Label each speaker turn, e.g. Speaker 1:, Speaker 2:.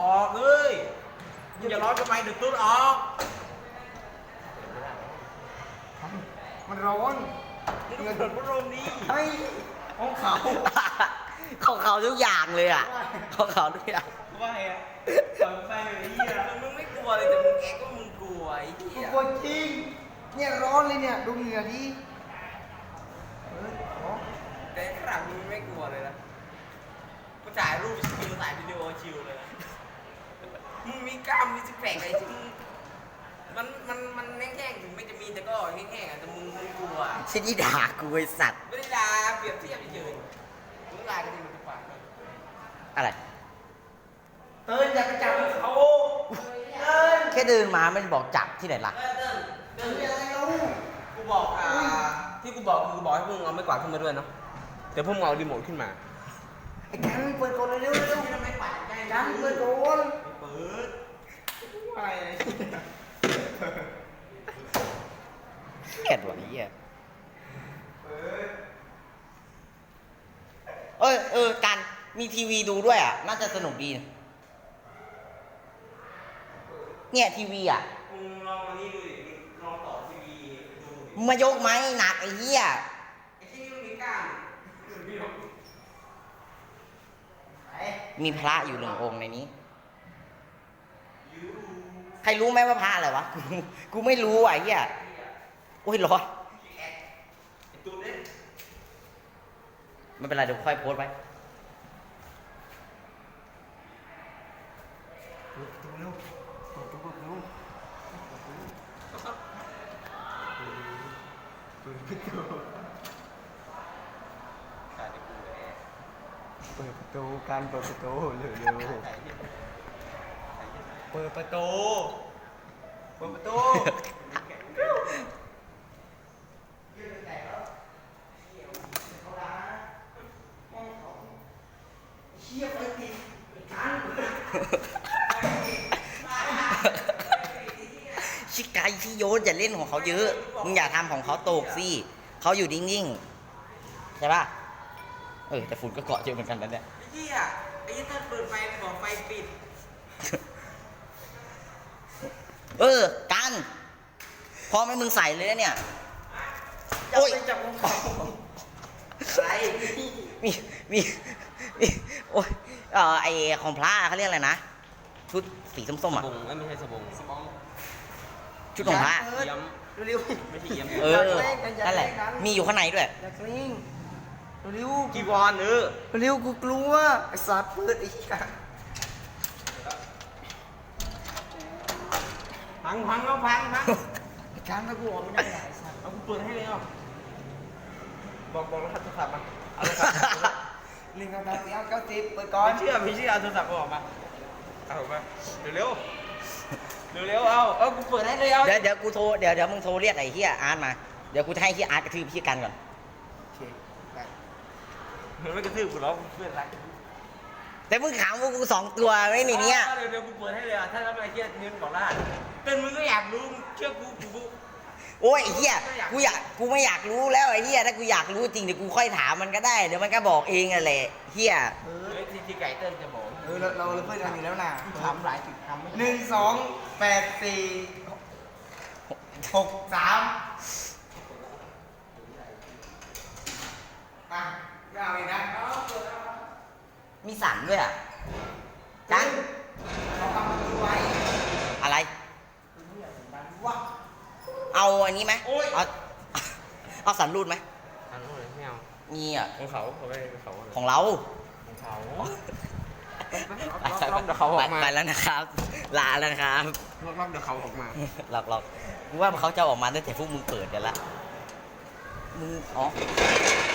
Speaker 1: ออกเลยมึงอย่าร้อนทำไมเดี๋ยวตุ๊ดออก
Speaker 2: มันร้อน
Speaker 1: มึงเปิดพัดลมนี่
Speaker 2: เฮ้ยของเขา
Speaker 3: ของเขาทุกอย่างเลยอ่ะของเขาทุกอย่าง
Speaker 1: ว่าไงอ่ะเปิดไฟเลยไอ้เหี้ยมึงไม่กลัวเลยแต่มึงแอบก็มึงกลัวไอ้เหี้ย
Speaker 2: กลัวจริงเนี่ยร้อนเลยเนี่ยดูเหงื่อดิอ๋อ
Speaker 1: แต่ขนาดมึงไม่กลัวเลยนะก็ถ่ายรูปชิลถ่ายวิดีโอชิลเลยนะมึงมีกล้ามมีซิกแพคอะไรที่มึงมันแห้งๆถึงไม่จะมีแต่ก็แห้งๆอ่ะแต่มึงกลัว
Speaker 3: ชินี่ด่ากูไอสัตว์
Speaker 1: ไม่ได้ด่าเปรียบเทียบเฉยๆมึงด่ากันดีมันจะปาก
Speaker 3: อะไร
Speaker 2: เตือนอย่าไปจับเขา
Speaker 3: แค่เดินมาไม่ได้บอกจับที่ไหนล่ะ
Speaker 1: เดินอะไรลูกกูบอกที่กูบอกคือกูบอกให้พวกมึงเอาไม้กวาดขึ้นมาด้วยเนาะแต่พวกมึงเอารีโมทขึ้นมา
Speaker 2: ไอ้กันเปิดก่อนเร็วเร็ว
Speaker 1: ไม่ไม้กวาดใกล้
Speaker 2: กันเปิดก่อน
Speaker 1: เปิด
Speaker 2: อะไร
Speaker 3: เกลียดว่ะไอ้เหี้ยการมีทีวีดูด้วยอ่ะ น่าจะสนุกดีนะเนี่ยทีวีอ่ะ
Speaker 1: มึงลองอันนี้ดูดิลองต่อทีวีดู
Speaker 3: มึงมายกไหมหนักไอ้เหี้ย
Speaker 1: ไอ้ที่นี่มันมีกล้ามมีหรอ
Speaker 3: มีพระอยู่1 องค์ในนี้ ใครรู้ไหมว่าพระอะไรวะ กูไม่รู้อ่ะไอ้เหี้ยโอ้ยร้อน
Speaker 1: ไอ้ตัวเล็ก
Speaker 3: ไม่เป็นไรเดี๋ยวค่อยโพสต์ไว้
Speaker 2: ดูเร็วเปิดเร็วเปิดประตูการเปิดประตูเร็วเร็วเปิดประตูเปิดประตูเชี่ยไปติดกัน
Speaker 3: ชิกายที่โยนอย่าเล่นของเขาเยอะ มึงอย่าทำของเขาตกสิเขาอยู่นิ่งๆ ใช่ป่ะ แต่ฝุ่นก็เกาะเยอะเหมือนกันนะเนี่ย
Speaker 1: ไอ้เหี้ยไอ้ยี่ถ้าเปิดไฟบอกไฟปิด
Speaker 3: กันพอไหม่มึงใส่เลยนะเนี่ย
Speaker 2: โอ้ยจับของเขา
Speaker 1: อะไร
Speaker 3: มีมีโอ้ยไอของพระเขาเรียกอะไรนะ ชุดสีส้มๆอ่ะ
Speaker 1: สบงไม่ใช่สบงสบอง
Speaker 3: ชุดของพระ
Speaker 1: เยี่ยม
Speaker 2: เร็ว
Speaker 1: ไม่ใช่เยี่ยม
Speaker 3: นั่นแหละ มีอยู่ข้างในด้วย
Speaker 2: อยากลิงเร็ว
Speaker 1: จีวร
Speaker 2: เร็วกูกลัวไอ้สัตว์เปิดไอ้กัน
Speaker 1: พังเอาพัง
Speaker 2: ไอ้กันถ้ากูออกไม่ได้ไอ้สัตว์
Speaker 1: เอากูเปิดให้เลยอ่ะบอกรหัสโทรศัพท์มาเอาโทรศัพท์
Speaker 2: ลิงกับดาวเสียเก้าสิบเปิดก่อน
Speaker 1: ไม่เชื่อเอาโทรศัพท์ออกมาเอาออกมาเร็วเอากูเปิดให้เลยเอา
Speaker 3: เดี๋ยวกูโทรเดี๋ยวมึงโทรเรียกไอ้เฮียอาร์ตมา เดี๋ยวกูจะให้เฮียอาร์ตกระทืบพี่กันก่อน
Speaker 2: โอเคได้
Speaker 1: มันไม่กระทืบกูหรอกเพื่อนรัก
Speaker 3: แต่มึงขำพวกกู2 ตัวไม่ในเนี้ย
Speaker 1: เดี๋ยวกูเปิดให้เลยอ่ะถ้าทำอะไรเชื่อนิ้วบอกรหัสเป็นมึงก็อยากรู้เชื่อกู
Speaker 3: โอ้ยไอ้เฮียกูไม่อยากรู้แล้วไอ้เฮียถ้ากูอยากรู้จริงเดี๋ยวกูค่อยถามมันก็ได้ เดี๋ยวมันก็บอกเองอะแหละเฮีย
Speaker 1: ที่ไก่เติ้ลจะบอก
Speaker 2: เราเพื่อนกันอยู่แล้วนะ
Speaker 1: ทำหลายจุดทำ
Speaker 2: 1 2 8 4 6 3อ่ะไม่เอาอีกนะ
Speaker 3: มีสั่นด้วยอ่ะกัน
Speaker 2: เราทำมันดูไว้
Speaker 3: อะไร
Speaker 2: ว่า
Speaker 3: เอาอันนี้ไหมเอาสันรูดไหม
Speaker 1: ทำเลยไม่เอา
Speaker 3: มีอ่ะ
Speaker 1: ของเขาไปเขา
Speaker 3: ของเรา
Speaker 1: ของเขา
Speaker 3: ไปแล้วนะครับ ลาแล้วนะครับ
Speaker 1: รอบเดี๋ยวเขาออกมา
Speaker 3: หลอกกูว่าเขาจะออกมาตั้งแต่พวกมึงเปิดกันละมึง